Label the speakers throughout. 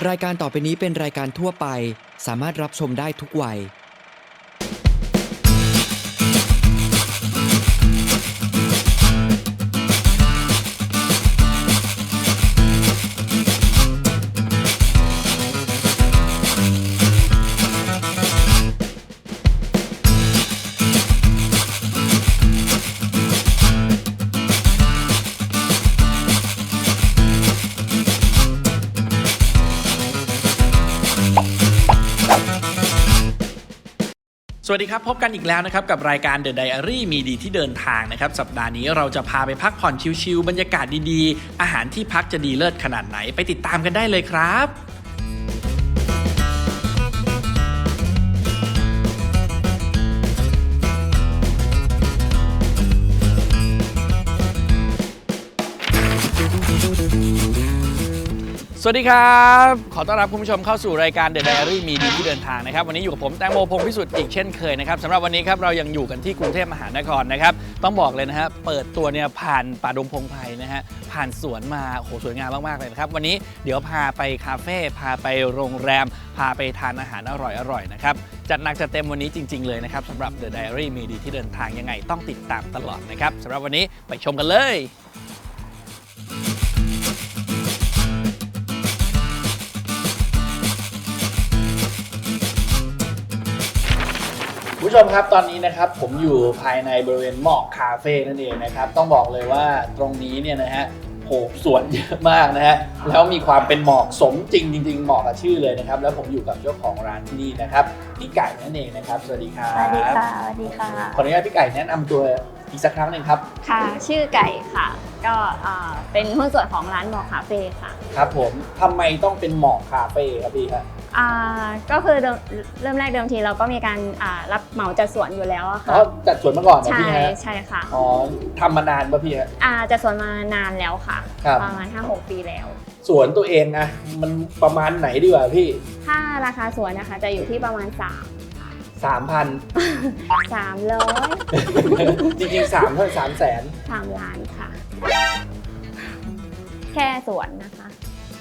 Speaker 1: รายการต่อไปนี้เป็นรายการทั่วไปสามารถรับชมได้ทุกวัย
Speaker 2: สวัสดีครับพบกันอีกแล้วนะครับกับรายการ The Diary มีดีที่เดินทางนะครับสัปดาห์นี้เราจะพาไปพักผ่อนชิลๆบรรยากาศดีๆอาหารที่พักจะดีเลิศขนาดไหนไปติดตามกันได้เลยครับสวัสดีครับขอต้อนรับคุณผู้ชมเข้าสู่รายการ The Diary มีดีที่เดินทางนะครับวันนี้อยู่กับผมแตงโมพงษ์พิสุทธิ์อีกเช่นเคยนะครับสำหรับวันนี้ครับเรายังอยู่กันที่กรุงเทพมหานครนะครับต้องบอกเลยนะฮะเปิดตัวเนี่ยผ่านป่าดงพงไพรนะฮะผ่านสวนมาโอ้โหสวยงามมากๆเลยนะครับวันนี้เดี๋ยวพาไปคาเฟ่พาไปโรงแรมพาไปทานอาหารอร่อยๆนะครับจัดหนักจัดเต็มวันนี้จริงๆเลยนะครับสำหรับ The Diary มีดีที่เดินทางยังไงต้องติดตามตลอดนะครับสำหรับวันนี้ไปชมกันเลยผู้ชมครับตอนนี้นะครับผมอยู่ภายในบริเวณหมอกคาเฟ่นั่นเองนะครับต้องบอกเลยว่าตรงนี้เนี่ยนะฮะโหสวนเยอะมากนะฮะแล้วมีความเป็นหมอกสมจริงๆเหมาะกับชื่อเลยนะครับแล้วผมอยู่กับเจ้าของร้านที่นี่นะครับพี่ไก่นั่นเองนะครับสวัสดีครับ
Speaker 3: สวัสดีค่ะสวัสดีค่ะ
Speaker 2: ขออนุญาตพี่ไก่แนะนำตัวอีกสักครั้งหนึ่งครับ
Speaker 3: ค่ะชื่อไก่ค่ะก็เป็นหุ้นส่วนของร้านหมอกคาเฟ่ค่ะ
Speaker 2: ครับผมทำไมต้องเป็นหมอกคาเฟ่ครับพี่ครับ
Speaker 3: ก็คือเริ่มแรกเดิมทีเราก็มีการรับเหมาจัดสวนอยู่แล้วอะค่ะ
Speaker 2: จัดสวนมาก่อนนะพี่ฮะ
Speaker 3: ใช่ค่ะ
Speaker 2: อ๋อทำมานานป่ะพี่ฮะ
Speaker 3: จัดสวนมานานแล้วค่ะประมาณ 5-6 ปีแล้ว
Speaker 2: สวนตัวเองนะมันประมาณไหนดีกว่าพี่
Speaker 3: ถ้าราคาสวนนะคะจะอยู่ที่ประมาณ3,000
Speaker 2: จริงๆ3 เท่า300,000
Speaker 3: 3 ล้านค่ะแค่สวนนะคะ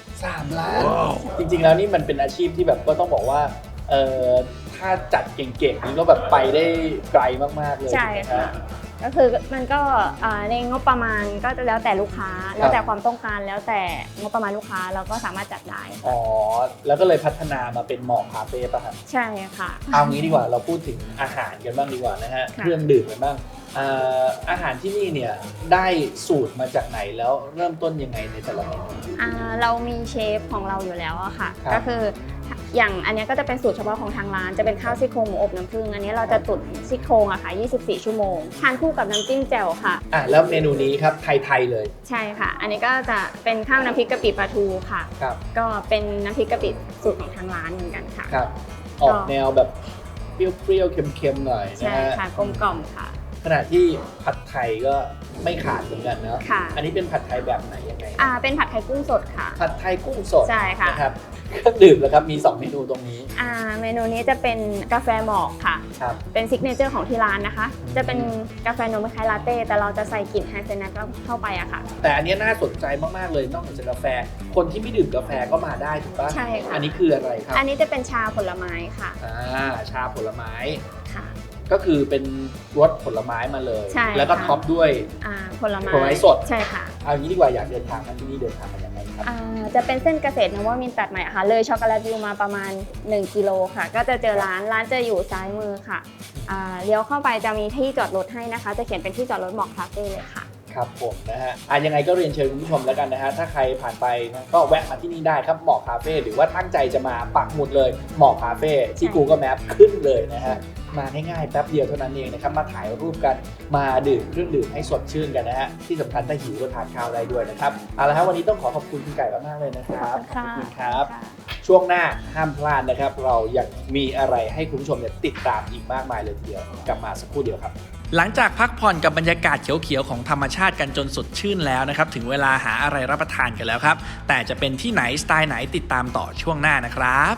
Speaker 2: 3 ล้าน จริงๆแล้วนี่มันเป็นอาชีพที่แบบก็ต้องบอกว่าถ้าจัดเก่งๆนี่ก็แบบไปได้ไกลมากๆเลย
Speaker 3: ใช่ค่ะก็คือมันก็ในงบประมาณก็จะแล้วแต่ลูกค้าแล้วแต่ความต้องการแล้วแต่งบประมาณลูกค้าเราก็สามารถจัดได้
Speaker 2: อ๋อแล้วก็เลยพัฒนามาเป็นหมอกคาเฟ่ป่ะครับ
Speaker 3: ใช่ค่ะ
Speaker 2: เอางี้ดีกว่าเราพูดถึงอาหารกันบ้างดีกว่านะฮะเครื่องดื่มกันบ้างอาหารที่นี่เนี่ยได้สูตรมาจากไหนแล้วเริ่มต้นยังไงในแต่ละเมนู
Speaker 3: เรามีเชฟของเราอยู่แล้วอะค่ะก็คืออย่างอันนี้ก็จะเป็นสูตรเฉพาะของทางร้านจะเป็นข้าวซี่โครงหมูอบน้ำผึ้งอันนี้เราจะตุ๋นซี่โครงอะค่ะ24 ชั่วโมงทานคู่กับน้ำจิ้มแจ่วค่ะ
Speaker 2: แล้วเมนูนี้ครับไทยเลย
Speaker 3: ใช่ค่ะอันนี้ก็จะเป็นข้าวน้ำพริกกะปิปลาทูค่ะก็เป็นน้ำพริกกะปิสูตรของทางร้านเหมือนกันค่ะ
Speaker 2: ครับออกแนวแบบเปรี้ยวๆเค็มๆหน่อยนะ
Speaker 3: ใช่ค่ะกลมกล่อมค่ะ
Speaker 2: ขณะที่ผัดไทยก็ไม่ขาดเหมือนกันเนาะอันนี้เป็นผัดไทยแบบไหนยังไง
Speaker 3: เป็นผัดไทยกุ้งสดค่ะ
Speaker 2: ผัดไทยกุ้งสด
Speaker 3: ใช่ค่ะ
Speaker 2: นะครับเครื่องดื่มแล้วครับมี2เมนูตรงนี้
Speaker 3: เมนูนี้จะเป็นกาแฟหมอกค่ะเป็นซิกเนเจอร์ของที่ร้านนะคะจะเป็นกาแฟนมคล้ายลาเต้แต่เราจะใส่กลิ่นไฮเซนัทเข้าไปอะค่ะ
Speaker 2: แต่อันนี้น่าสนใจมากๆเลยนอกจากกาแฟคนที่ไม่ดื่มกาแฟก็มาได้ถูกปะ
Speaker 3: ใช่ค่ะ
Speaker 2: อันนี้คืออะไรครับ
Speaker 3: อันนี้จะเป็นชาผลไม้ค่ะ
Speaker 2: ชาผลไม้
Speaker 3: ค่ะ
Speaker 2: ก็คือเป็นรสผลไม้มาเลยแล้วก็ท็อปด้วย
Speaker 3: ผลไม้
Speaker 2: สด
Speaker 3: ใช่ค่ะ
Speaker 2: เอางี้ดีกว่าอยากเดินทางมาที่นี่เดินทางมาอย่างไรครับ
Speaker 3: จะเป็นเส้นเกษตรนวมินทร์ตัดใหม่ค่ะเลยช็อกโกแลตวิวมาประมาณ1 กิโลค่ะก็จะเจอร้านจะอยู่ซ้ายมือค่ะเลี้ยวเข้าไปจะมีที่จอดรถให้นะคะจะเขียนเป็นที่จอดรถหมอกคาเฟ่เลยค่ะ
Speaker 2: ครับผมนะฮะยังไงก็เรียนเชิญคุณผู้ชมแล้วกันนะฮะถ้าใครผ่านไปนะก็แวะมาที่นี่ได้ครับหมอกคาเฟ่หรือว่าตั้งใจจะมาปักหมุดเลยหมอกคาเฟ่ที่ Google Map ขึ้นเลยนะฮะมาง่ายๆแป๊บเดียวเท่านั้นเองนะครับมาถ่ายรูปกันมาดื่มเครื่องดื่มให้สดชื่นกันนะฮะที่สำคัญถ้าหิวก็ทานข้าวได้ด้วยนะครับเอาละครับวันนี้ต้องขอบคุณคุณไก่มากๆเลยนะครับ
Speaker 3: ขอบ
Speaker 2: คุณครับช่วงหน้าห้ามพลาดนะครับเรายังมีอะไรให้คุณผู้ชมติดตามอีกมากมายเลยทีเดียวกลับมาสักครู่เดียวครับหลังจากพักผ่อนกับบรรยากาศเขียวๆของธรรมชาติกันจนสดชื่นแล้วนะครับถึงเวลาหาอะไรรับประทานกันแล้วครับแต่จะเป็นที่ไหนสไตล์ไหนติดตามต่อช่วงหน้านะครับ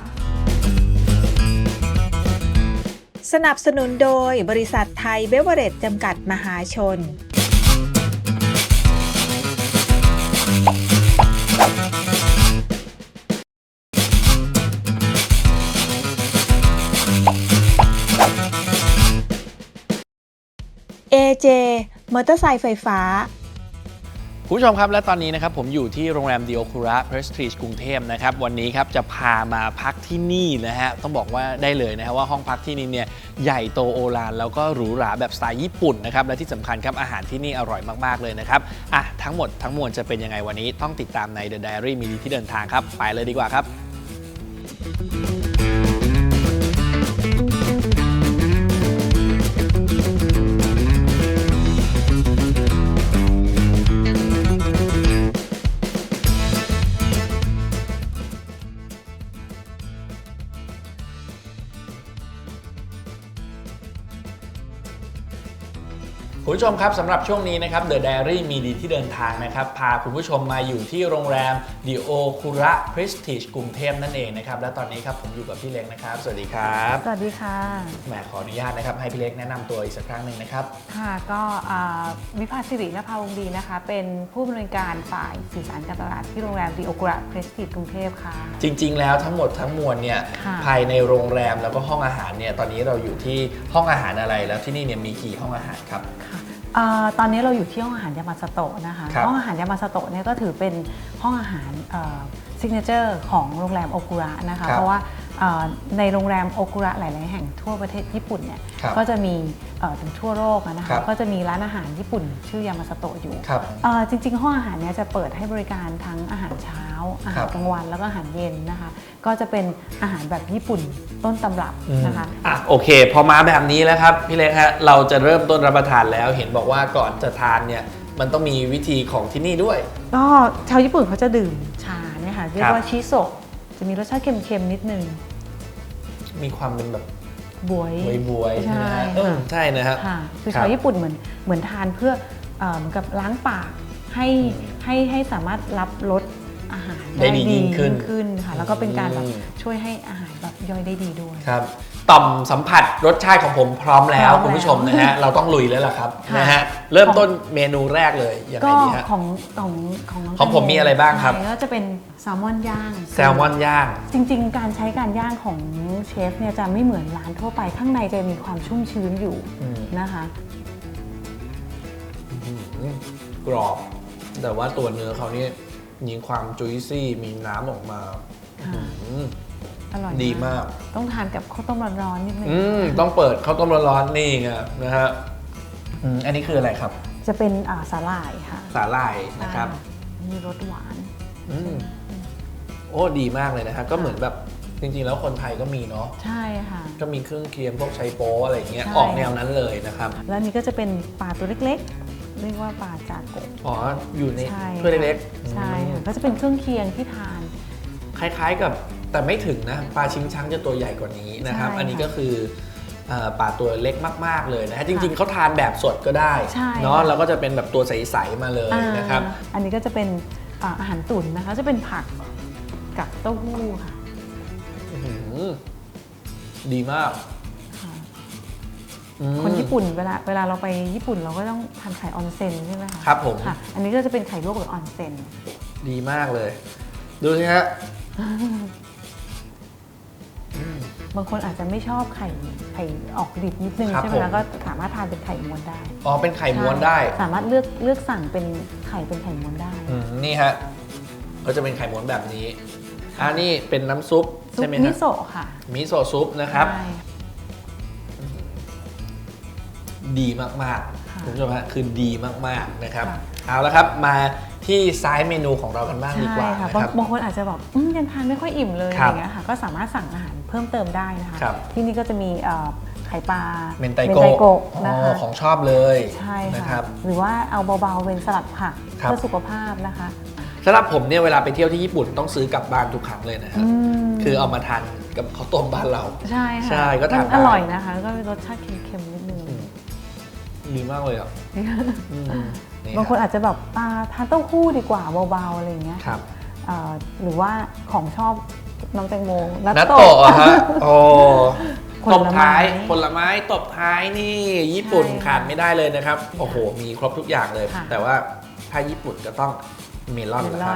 Speaker 4: สนับสนุนโดยบริษัทไทยเบเวอเรจจำกัดมหาชน AJ มอเตอร์ไซค์ไฟฟ้า
Speaker 2: คุณผู้ชมครับและตอนนี้นะครับผมอยู่ที่โรงแรมดิโอคุระเพรสทีจกรุงเทพนะครับวันนี้ครับจะพามาพักที่นี่นะฮะต้องบอกว่าได้เลยนะฮะว่าห้องพักที่นี่เนี่ยใหญ่โตโอฬารแล้วก็หรูหราแบบสไตล์ญี่ปุ่นนะครับและที่สำคัญครับอาหารที่นี่อร่อยมากๆเลยนะครับทั้งหมดทั้งมวลจะเป็นยังไงวันนี้ต้องติดตามใน The Diary มีดีที่เดินทางครับไปเลยดีกว่าครับคุณผู้ชมครับสำหรับช่วงนี้นะครับ The Diary มีดีที่เดินทางนะครับพาคุณผู้ชมมาอยู่ที่โรงแรม Dio Kura Prestige กรุงเทพนั่นเองนะครับและตอนนี้ครับผมอยู่กับพี่เล็กนะครับสวัสดีครับ
Speaker 5: สวัสดีค่ะ
Speaker 2: แหมขออนุญาตนะครับให้พี่เล็กแนะนำตัวอีกสักครั้งหนึ่งนะครับ
Speaker 5: ค่ะก็วิภาสิรินภาวงศ์ดีนะคะเป็นผู้บริการฝ่ายสื่อสารการตลาดที่โรงแรม Dio Kura Prestige กรุงเทพค่ะ
Speaker 2: จริงๆแล้วทั้งหมดทั้งมวลเนี่ยภายในโรงแรมแล้วก็ห้องอาหารเนี่ยตอนนี้เราอยู่ที่ห้องอาหารอะไรแล้วที่นี่เนี่ยมีกี่ห้องอาหารครับ
Speaker 5: ตอนนี้เราอยู่ที่ห้องอาหารยามาสโตะนะคะห้องอาหารยามาสโตะเนี่ยก็ถือเป็นห้องอาหารซิกเนเจอร์ของโรงแรมโอคุระนะคะเพราะว่าในโรงแรมโอคุระหลายๆแห่งทั่วประเทศญี่ปุ่นเนี่ยก็จะมีถึงทั่วโลกนะคะก็จะมีร้านอาหารญี่ปุ่นชื่อยามาสโตะอยู่จริงๆห้องอาหารเนี้ยจะเปิดให้บริการทั้งอาหารเช้าอาหารกลางวันแล้วก็อาหารเย็นนะคะก็จะเป็นอาหารแบบญี่ปุ่นต้นตำรับนะคะ
Speaker 2: โอเคพอมาแบบนี้แล้วครับพี่เล็กฮะเราจะเริ่มต้นรับประทานแล้วเห็นบอกว่าก่อนจะทานเนี่ยมันต้องมีวิธีของที่นี่ด้วย
Speaker 5: ก็ชาวญี่ปุ่นเขาจะดื่มชาเนี่ยค่ะเรียกว่าชิโซะจะมีรสชาติเค็มๆนิดนึง
Speaker 2: มีความเป็นแบบ
Speaker 5: บวย
Speaker 2: ใช่ใช่นะครับ
Speaker 5: คือชาวญี่ปุ่นเหมือนทานเพื่อเหมือนกับล้างปากให้สามารถรับรสอาหารได้ดียิ่งขึ้นค่ะแล้วก็เป็นการแบบช่วยให้อาหารแบบย่อยได้ดีด้วย
Speaker 2: ครับต่อมสัมผัสรสชาติของผมพร้อมแล้วคุณผู้ชมนะฮะเราต้องลุยแล้วล่ะครับนะฮะเริ่มต้นเมนูแรกเลยยังไงดีฮะของผมมีอะไรบ้างครับ
Speaker 5: ก็จะเป็นแซลมอนย่างจริงๆการใช้การย่างของเชฟเนี่ยจะไม่เหมือนร้านทั่วไปข้างในจะมีความชุ่มชื้นอยู่นะคะ
Speaker 2: กรอบแต่ว่าตัวเนื้อเขานี่มีความจุยซี่มีน้ำออกมา
Speaker 5: อร่อย
Speaker 2: ดีมาก
Speaker 5: ต้องทานกับข้าวต้มร้อนๆนิดนึง
Speaker 2: ต้องเปิดข้าวต้มร้อนๆนี่ไงนะฮะอันนี้คืออะไรครับ
Speaker 5: จะเป็นสาหร่ายค่ะ
Speaker 2: สาหร่ายนะครับ
Speaker 5: มีรสหวาน
Speaker 2: โอ้ดีมากเลยนะครับก็เหมือนแบบจริงๆแล้วคนไทยก็มีเนาะ
Speaker 5: ใช่ค่ะ
Speaker 2: ก็มีเครื่องเคียงพวกไชโป๊อะไรเงี้ยออกแนวนั้นเลยนะครับ
Speaker 5: แล้วนี่ก็จะเป็นปลาตัวเล็กๆเรียกว่าปลาจากะ
Speaker 2: อยู่ในถ้วยเล็ก
Speaker 5: ๆใช่ค่ะก็จะเป็นเครื่องเคียงที่ทาน
Speaker 2: คล้ายๆกับแต่ไม่ถึงนะปลาชิงช้างจะตัวใหญ่กว่านี้นะครับอันนี้ก็คือปลาตัวเล็กมากๆเลยนะฮะจริงๆเขาทานแบบสดก็ได้เนาะแล้วก็จะเป็นแบบตัวใสๆมาเลยนะครับ
Speaker 5: อันนี้ก็จะเป็นอาหารตุ๋นนะคะจะเป็นผักกับเต้าหู้ค่ะ
Speaker 2: ดีมาก
Speaker 5: คนญี่ปุ่นเวลาเราไปญี่ปุ่นเราก็ต้องทานไข่ออนเซ็นใช่ไหมคะ
Speaker 2: ครับผม
Speaker 5: อันนี้ก็จะเป็นไข่ลวกแบบออนเซ็น
Speaker 2: ดีมากเลยดูสิฮะ
Speaker 5: บางคนอาจจะไม่ชอบไข่ออกดิบนิดนึงใช่ไหมแล้วก็สามารถทานเป็นไข่ม้วนได้
Speaker 2: เป็นไข่ม้วนได้
Speaker 5: สามารถเลือกสั่งเป็นไข่ม้วนได้
Speaker 2: นี่ฮะก็จะเป็นไข่ม้วนแบบนี้นี่เป็นน้ำซุปใช่ไหม
Speaker 5: มิโซะค่ะ
Speaker 2: มิโซะซุปนะครับดีมากๆคุณผู้ชมฮะคือดีมากๆนะครับเอาละครับมาที่ซ้ายเมนูของเรากันบ้างดีกว่า
Speaker 5: นะครับบางคนอาจจะแบบยังทานไม่ค่อยอิ่มเลยอย่างเงี้ยค่ะก็สามารถสั่งอาหารเพิ่มเติมได้นะคะที่นี่ก็จะมีไข่ปลา
Speaker 2: เมนไตโกะนะคะของชอบเลย
Speaker 5: ใช่ค่ะหรือว่าเอาเบาๆเป็นสลัดผักเพื่อสุขภาพนะคะ
Speaker 2: สำหรับผมเนี่ยเวลาไปเที่ยวที่ญี่ปุ่นต้องซื้อกลับบ้านทุกครั้งเลยนะครับคือเอามาทานกับข้าวต้มบ้านเรา
Speaker 5: ใช่ค่ะ
Speaker 2: ก็ทาน
Speaker 5: อร่อยนะคะแล้วก็มีรสชาติเค็มๆนิดนึง
Speaker 2: ดีมากเลยอ่ะ
Speaker 5: บางคนอาจจะแบบทานเต้าหู้ดีกว่าเบาๆอะไรอย่างเงี้ยหรือว่าของชอบน้องแตงโม
Speaker 2: นัตโตะฮะตบท้ายผลไม้ตบท้ายนี่ญี่ปุ่นขาดไม่ได้เลยนะครับโอ้โหมีครบทุกอย่างเลยแต่ว่าถ้าญี่ปุ่นก็ต้องเมลอนนะครับ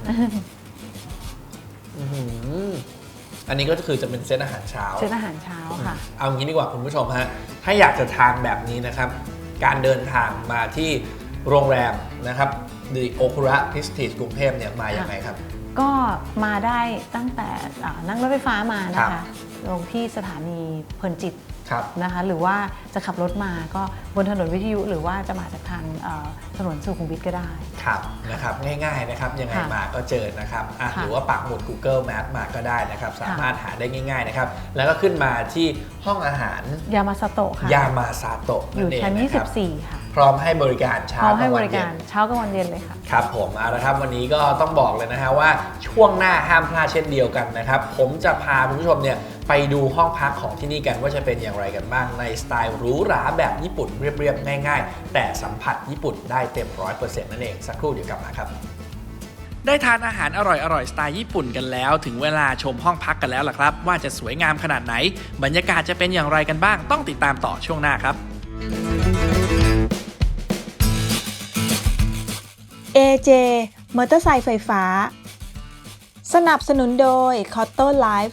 Speaker 2: อันนี้ก็คือจะเป็นเซตอาหารเช้า
Speaker 5: ค่ะ
Speaker 2: เอางี้ดีกว่าคุณผู้ชมฮะถ้าอยากจะทานแบบนี้นะครับการเดินทางมาที่โรงแรมนะครับThe Okura Prestige กรุงเทพเนี่ยมาอย่างไรครับ
Speaker 5: ก็มาได้ตั้งแต่นั่งรถไฟฟ้ามานะคะลงที่สถานีเพลินจิตนะคะหรือว่าจะขับรถมาก็บนถนนวิทยุหรือว่าจะมาจากทางถนนสุขุมวิทก็ได้
Speaker 2: ครับนะครับง่ายๆนะครับยังไงมาก็เจอนะครับหรือว่าปักหมุด Google Map มาก็ได้นะครับสามารถหาได้ง่ายๆนะครับแล้วก็ขึ้นมาที่ห้องอาหาร
Speaker 5: ยามาซาโตะค่ะ
Speaker 2: ยามาซาโตะ
Speaker 5: อยู่ชั้น24ค่ะ
Speaker 2: พร้อมให้บริการเช้ากลางวันเย็น
Speaker 5: เช้ากลางวันเย็นเลยค่ะ
Speaker 2: ครับผมเอาละครับวันนี้ก็ต้องบอกเลยนะฮะว่าช่วงหน้าห้ามพลาดเช่นเดียวกันนะครับผมจะพาคุณผู้ชมเนี่ยไปดูห้องพักของที่นี่กันว่าจะเป็นอย่างไรกันบ้างในสไตล์หรูหราแบบญี่ปุ่นเรียบๆง่ายๆแต่สัมผัสญี่ปุ่นได้เต็ม 100% นั่นเองสักครู่เดี๋ยวกลับมาครับได้ทานอาหารอร่อยๆสไตล์ญี่ปุ่นกันแล้วถึงเวลาชมห้องพักกันแล้วล่ะครับว่าจะสวยงามขนาดไหนบรรยากาศจะเป็นอย่างไรกันบ้างต้องติดตามต่อช่วงหน้าครับ
Speaker 4: AJ มอเตอร์ไซค์ไฟฟ้าสนับสนุนโดย Cotto Life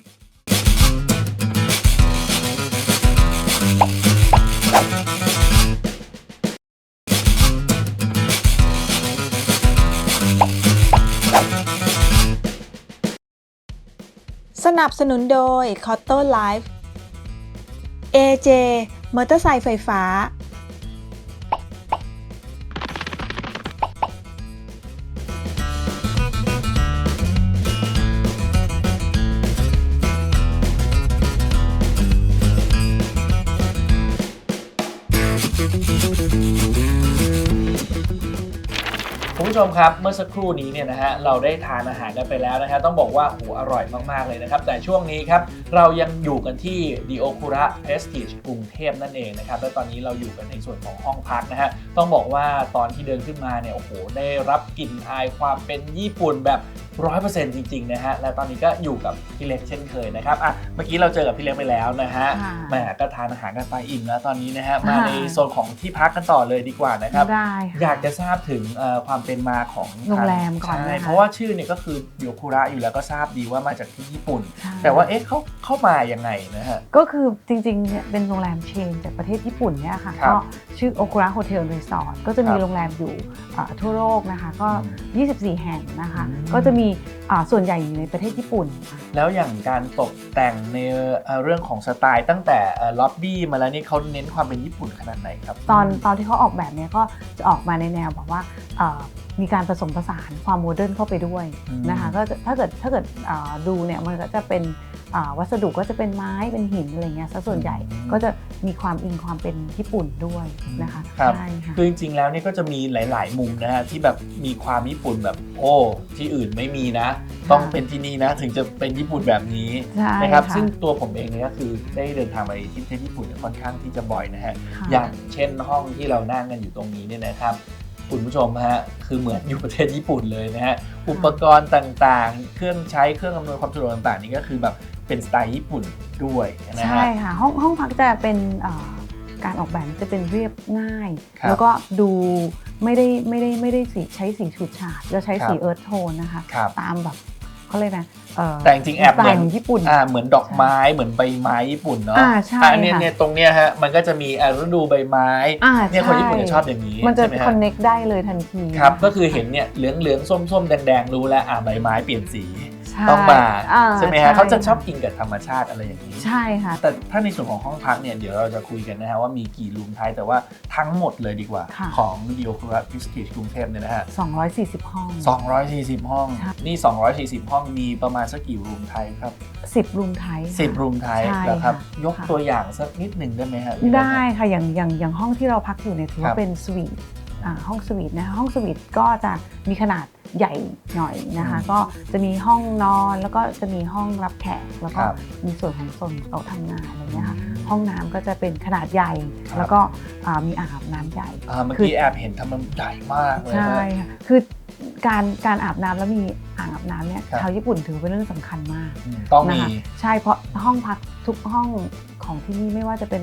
Speaker 4: สนับสนุนโดย Cotto Life AJ มอเตอร์ไซค์ไฟฟ้า
Speaker 2: คุณผู้ชมครับเมื่อสักครู่นี้เนี่ยนะฮะเราได้ทานอาหารกันไปแล้วนะฮะต้องบอกว่าอร่อยมากๆเลยนะครับแต่ช่วงนี้ครับเรายังอยู่กันที่ The Okura Prestige กรุงเทพนั่นเองนะครับและตอนนี้เราอยู่กันในส่วนของห้องพักนะฮะต้องบอกว่าตอนที่เดินขึ้นมาเนี่ยได้รับกลิ่นอายความเป็นญี่ปุ่นแบบ 100% จริงๆนะฮะและตอนนี้ก็อยู่กับพี่เล็กเช่นเคยนะครับเมื่อกี้เราเจอกับพี่เล็กไปแล้วนะฮะแหมก็ทานอาหารกันไปอิ่มแล้วตอนนี้นะฮะมาในโซนของที่พักกันต่อเลยดีกว่านะครับอยากจะทราบถึงความเป็นมาของ
Speaker 5: โรงแรมก่อน
Speaker 2: ใช่เพราะว่าชื่อเนี่ยก็คือโยคุระอยู่แล้วก็ทราบดีว่ามาจากที่ญี่ปุ่นแต่ว่าเขาเข้ามายังไงนะฮะ
Speaker 5: ก็คือจริงๆเนี่ยเป็นโรงแรมเชนจากประเทศญี่ปุ่นเนี่ยค่ะก็ชื่อ Okura Hotel Resort ก็จะมีโรงแรมอยู่ทั่วโลกนะคะก็24 แห่งนะคะก็จะมีส่วนใหญ่อยู่ในประเทศญี่ปุ่น
Speaker 2: แล้วอย่างการตกแต่งในเรื่องของสไตล์ตั้งแต่ล็อบบี้มาแล้วนี่เขาเน้นความเป็นญี่ปุ่นขนาดไหนครับ
Speaker 5: ตอนที่เขาออกแบบเนี่ยก็จะออกมาในแนวแบบว่ามีการผสมผสานความโมเดิร์นเข้าไปด้วยนะคะก็ถ้าเกิดดูเนี่ยมันก็จะเป็นวัสดุก็จะเป็นไม้เป็นหินอะไรเงี้ยซะส่วนใหญ่ก็จะมีความอิงความเป็นญี่ปุ่นด้วยนะคะ
Speaker 2: ใช่ค่ะคือจริงๆแล้วนี่ก็จะมีหลายๆมุมนะฮะที่แบบมีความญี่ปุ่นแบบที่อื่นไม่มีนะต้องเป็นที่นี่นะถึงจะเป็นญี่ปุ่นแบบนี้นะครับซึ่งตัวผมเองเนี่ยก็คือได้เดินทางไปที่ประเทศญี่ปุ่นค่อนข้างที่จะบ่อยนะฮะอย่างเช่นห้องที่เรานั่งกันอยู่ตรงนี้เนี่ยนะครับคุณผู้ชมฮะคือเหมือนอยู่ประเทศญี่ปุ่นเลยนะฮะอุปกรณ์ต่างๆเครื่องใช้เครื่องอำนวยความสะดวกต่างๆนี่ก็คือแบบเป็นสไตล์ญี่ปุ่นด้วยนะฮะ
Speaker 5: ใช่ค่ะห้องพักจะเป็นการออกแบบจะเป็นเรียบง่ายแล้วก็ดูไม่ได้ใช้สีฉูดฉาดจะใช้สีเอิร์ธโทนนะคะตามแบบเขาเลยนะ
Speaker 2: แต่จริงแอบเหมือน
Speaker 5: ญี่ปุ่น
Speaker 2: เหมือนดอกไม้เหมือนใบไม้ญี่ปุ่นเนาะ
Speaker 5: ใช่
Speaker 2: เนี่ยตรงเนี้ยฮะมันก็จะมีฤดูใบไม้เนี่ยคนญี่ปุ่นจะชอบอย่างนี้
Speaker 5: มันจะคอนเน็กได้เลยทันที
Speaker 2: ครับก็คือเห็นเนี่ยเหลืองส้มแดงรู้แล้วใบไม้เปลี่ยนสีต้องมาใช่ไหมฮะเขาจะชอบกินกับธรรมชาติอะไรอย่างนี้
Speaker 5: ใช่ค่ะ
Speaker 2: แต่ถ้าในส่วนของห้องพักเนี่ยเดี๋ยวเราจะคุยกันนะฮะว่ามีกี่รูมไทป์แต่ว่าทั้งหมดเลยดีกว่าของ The Okura Prestige กรุงเทพเนี่ยนะฮะ
Speaker 5: 240 ห้อง
Speaker 2: 240 ห้องนี่240 ห้องมีประมาณสักกี่รูมไทป์ครับ
Speaker 5: 10 รูมไทป์
Speaker 2: 10 รูมไทป์นะครับยกตัวอย่างสักนิดหนึ่งได้ไหมฮะ
Speaker 5: ได้ค่ะอย่างห้องที่เราพักอยู่เนี่ยถือว่าเป็นสวีทห้องสวีทนะคะห้องสวีทก็จะมีขนาดใหญ่หน่อยนะคะก็จะมีห้องนอนแล้วก็จะมีห้องรับแขกแล้วก็มีส่วนของโซนโต๊ะทำงานอะไรเงี้ยค่ะห้องน้ำก็จะเป็นขนาดใหญ่แล้วก็มีอ่างอาบน้ำใหญ่
Speaker 2: เมื่อกี้แอบเห็นทำมันใหญ่มากเลย
Speaker 5: ใช่ค่ะคือการอาบน้ำแล้วมีอ่างอาบน้ำเนี่ยชาวญี่ปุ่นถือเป็นเรื่องสำคัญมาก
Speaker 2: ต้องมี
Speaker 5: ใช่เพราะห้องพักทุกห้องของที่นี่ไม่ว่าจะเป็น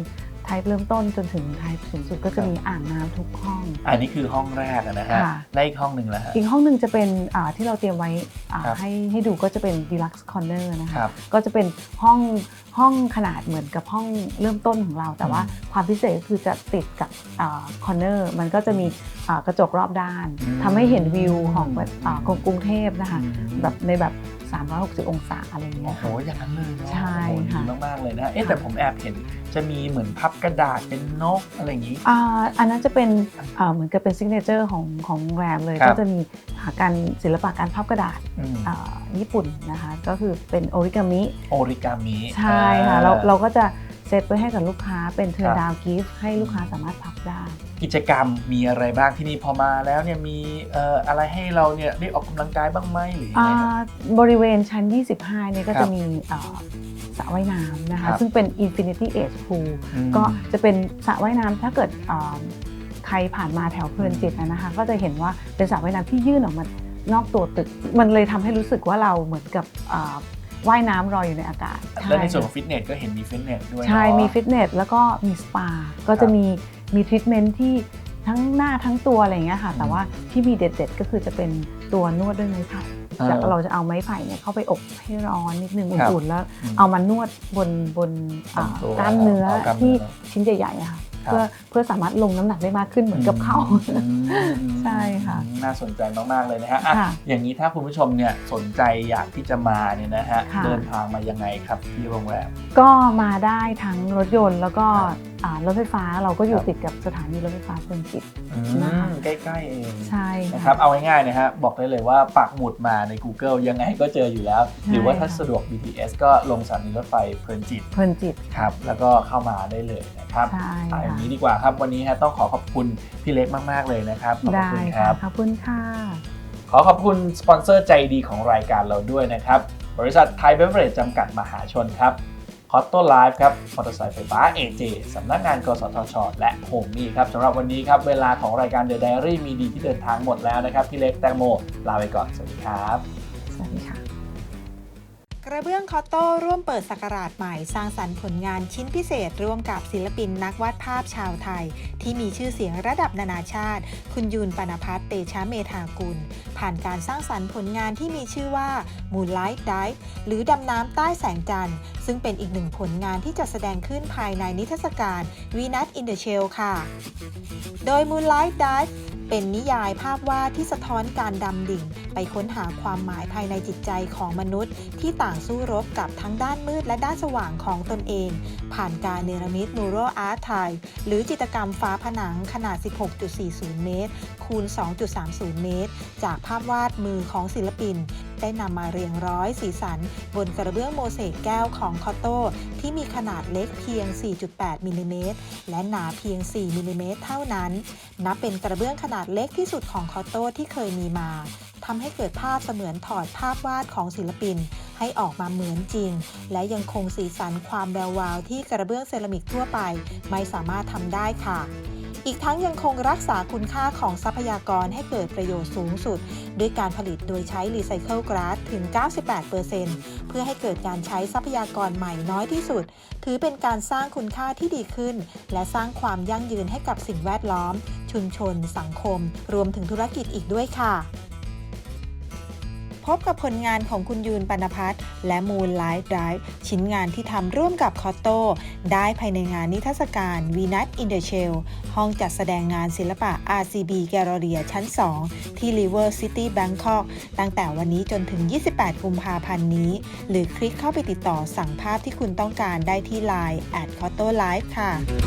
Speaker 5: type เริ่มต้นจนถึง type สูงสุดก็จะมีอ่างน้ำทุกห้อง
Speaker 2: อันนี้คือห้องแรกนะฮะ
Speaker 5: ค่ะ
Speaker 2: และอีกห้องหนึ่งแล้วฮะ
Speaker 5: อีกห้องหนึ่งจะเป็นที่เราเตรียมไว้
Speaker 2: ครับ
Speaker 5: ให้ดูก็จะเป็น deluxe corner นะคะ
Speaker 2: ครับ
Speaker 5: ก็จะเป็นห้องขนาดเหมือนกับห้องเริ่มต้นของเรา แต่ว่าความพิเศษก็คือจะติดกับcorner มันก็จะมีกระจกรอบด้านทำให้เห็นวิวของกรุงเทพนะคะแบบในแบบ360 องศาอะไรอย่างเงี้
Speaker 2: โอ้
Speaker 5: ย
Speaker 2: โห
Speaker 5: ค่ะ
Speaker 2: อย่างนั้นเลยเนาะ
Speaker 5: ใช่ค่ะ
Speaker 2: ดีมากๆเลยนะฮะแต่ผมแอบเห็นจะมีเหมือนพับกระดาษเป็นนกอะไรอย่างนี้
Speaker 5: อันนั้นจะเป็นเหมือนกับเป็นซิกเนเจอร์ของโรงแรมเลย
Speaker 2: ครับ
Speaker 5: ก็จะมีการศิลปะการพับกระดาษ
Speaker 2: อืม
Speaker 5: ญี่ปุ่นนะคะก็คือเป็นโอริกามิ
Speaker 2: โอริกามิ
Speaker 5: ใช่ค่ะเราก็จะเซตไว้ให้กับลูกค้าเป็นเทิร์
Speaker 2: ครั
Speaker 5: น
Speaker 2: บ
Speaker 5: ดาวกิฟต์ให้ลูกค้าสามารถพับได้
Speaker 2: กิจกรรมมีอะไรบ้างที่นี่พอมาแล้วเนี่ยมีอะไรให้เราเนี่ยได้ออกกำลังกายบ้างไหมหรือยังไงครับ
Speaker 5: บริเวณชั้น 25 เนี่ยก็
Speaker 2: ครั
Speaker 5: จะ
Speaker 2: บ
Speaker 5: มีสระว่ายน้ำนะ
Speaker 2: ครั
Speaker 5: คะ
Speaker 2: บ
Speaker 5: ซึ่งเป็น Infinity Edge Pool
Speaker 2: อืม
Speaker 5: ก็จะเป็นสระว่ายน้ำถ้าเกิดใครผ่านมาแถวเพลินจิตนะคะก็จะเห็นว่าเป็นสระว่ายน้ำที่ยื่นออกมานอกตัวตึก มันเลยทำให้รู้สึกว่าเราเหมือนกับว่ายน้ำลอยอยู่ในอากาศ
Speaker 2: และในส่วนของฟิตเนสก็เห็นมีฟิตเนสด้วย
Speaker 5: ใช่
Speaker 2: เนาะ
Speaker 5: มีฟิตเนสแล้วก็มีสปา ก็จะมีทรีทเมนต์ที่ทั้งหน้าทั้งตัวอะไรอย่างเงี้ยค่ะ แต่ว่าที่มีเด็ดๆก็คือจะเป็นตัวนวดด้วยไม้ไผ่เราจะเอาไม้ไผ่เนี่ยเข้าไปอบให้ร้อนนิดนึงอุ่นๆแล้วเอามานวดบนกล้ามเนื้อที่ชิ้นใหญ่ๆอะค่ะเพื่อสามารถลงน้ำหนักได้มากขึ้นเหมือนกับเขาใช่ค่ะ
Speaker 2: น่าสนใจมากๆเลยนะฮะอ่ะ
Speaker 5: ค่ะ
Speaker 2: อย่างนี้ถ้าคุณผู้ชมเนี่ยสนใจอยากที่จะมาเนี่ยนะฮะ
Speaker 5: ค่ะ
Speaker 2: เดินทางมายังไงครับที่โรงแรม
Speaker 5: ก็มาได้ทั้งรถยนต์แล้วก็
Speaker 2: ครับ
Speaker 5: รถไฟฟ้าเราก็อ
Speaker 2: ค
Speaker 5: ยู่
Speaker 2: รับ
Speaker 5: ติดกับสถานีรถไฟฟ้าเพลินจิต
Speaker 2: อืม
Speaker 5: นะคะ
Speaker 2: ใกล้ๆเอง
Speaker 5: ใช่
Speaker 2: นะครับเอาง่ายๆนะฮะบอกได้เลยว่าปักหมุดมาใน Google ยังไงก็เจออยู่แล้ว หรือว่าถ้าสะดวก BTS ก็ลงสถานีรถไฟเพลินจิต
Speaker 5: เพลินจิต
Speaker 2: ครับแล้วก็เข้ามาได้เลยนะครับ
Speaker 5: ใช่
Speaker 2: เอาอย่าง
Speaker 5: ค่ะ
Speaker 2: นี้ดีกว่าครับวันนี้ฮะต้องขอบคุณพี่เล็กมากๆเลยนะครับขอบ
Speaker 5: ได้
Speaker 2: คุณค
Speaker 5: ค่ะ
Speaker 2: รับ
Speaker 5: ขอบคุณค่ะ
Speaker 2: ขอบคุณสปอนเซอร์ใจดีของรายการเราด้วยนะครับบริษัทไทยเบเวอเรจจำกัดมหาชนครับคอตโต้ไลฟ์ครับมอเตอร์ไซค์ไฟฟ้า AJ สำนักงานกสทช และโฮมมี่ครับสำหรับวันนี้ครับเวลาของรายการ The Diary มีดีที่เดินทางหมดแล้วนะครับพี่เล็กแตงโมลาไปก่อนสวัสดีครับ
Speaker 5: สวัสดีค่ะ
Speaker 4: กระเบื้องคอตโต้ร่วมเปิดศักราชใหม่สร้างสรรค์ผลงานชิ้นพิเศษร่วมกับศิลปินนักวาดภาพชาวไทย ที่มีชื่อเสียงระดับนานาชาติ คุณยูน ปณพัฒน์ เตชะเมธากุล ผ่านการสร้างสรรค์ผลงานที่มีชื่อว่า Moonlight Dive หรือดำน้ำใต้แสงจันทร์ซึ่งเป็นอีกหนึ่งผลงานที่จะแสดงขึ้นภายในนิทรรศการ Venus in the Shell ค่ะ โดย Moonlight Dive เป็นนิยายภาพวาดที่สะท้อนการดำดิ่ง ไปค้นหาความหมายภายในจิตใจของมนุษย์ ที่ต่างสู้รบกับทั้งด้านมืดและด้านสว่างของตนเอง ผ่านการเนรมิต Mural Art Tile หรือจิตรกรรมฝาผนังขนาด 16.40 เมตร คูณ 2.30 เมตร จากภาพวาดมือของศิลปิน ได้นำมาเรียงร้อยสีสัน บนกระเบื้องโมเสกแก้วของคอตโต้ที่มีขนาดเล็กเพียง 4.8 มิลลิเมตร และหนาเพียง 4 มิลลิเมตรเท่านั้น นับเป็นกระเบื้องขนาดเล็กที่สุดของคอตโต้ที่เคยมีมา ทำให้เกิดภาพเสมือนถอดภาพวาดของศิลปิน ให้ออกมาเหมือนจริง และยังคงสีสันความแวววาวที่กระเบื้องเซรามิกทั่วไปไม่สามารถทำได้ค่ะ อีกทั้งยังคงรักษาคุณค่าของทรัพยากรให้เกิดประโยชน์สูงสุด ด้วยการผลิตโดยใช้รีไซเคิลกราสถึง 98% เพื่อให้เกิดการใช้ทรัพยากรใหม่น้อยที่สุด ถือเป็นการสร้างคุณค่าที่ดีขึ้น และสร้างความยั่งยืนให้กับสิ่งแวดล้อม ชุมชน สังคม รวมถึงธุรกิจอีกด้วยค่ะ พบกับผลงานของคุณยูน ปณพัฒน์และ Moonlight Dive ชิ้นงานที่ทำร่วมกับคอตโต้ได้ภายในงานนิทรรศการ Venus in the Shell ห้องจัดแสดงงานศิลปะ RCB Galleria ชั้น 2 ที่ River City Bangkok ตั้งแต่วันนี้จนถึง 28 กุมภาพันธ์นี้ หรือคลิกเข้าไปติดต่อสั่งภาพที่คุณต้องการได้ที่ Line @CottoLive ค่ะ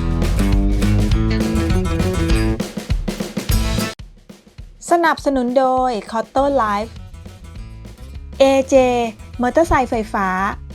Speaker 4: สนับสนุนโดย Cotto Life AJ มอเตอร์ไซค์ไฟฟ้า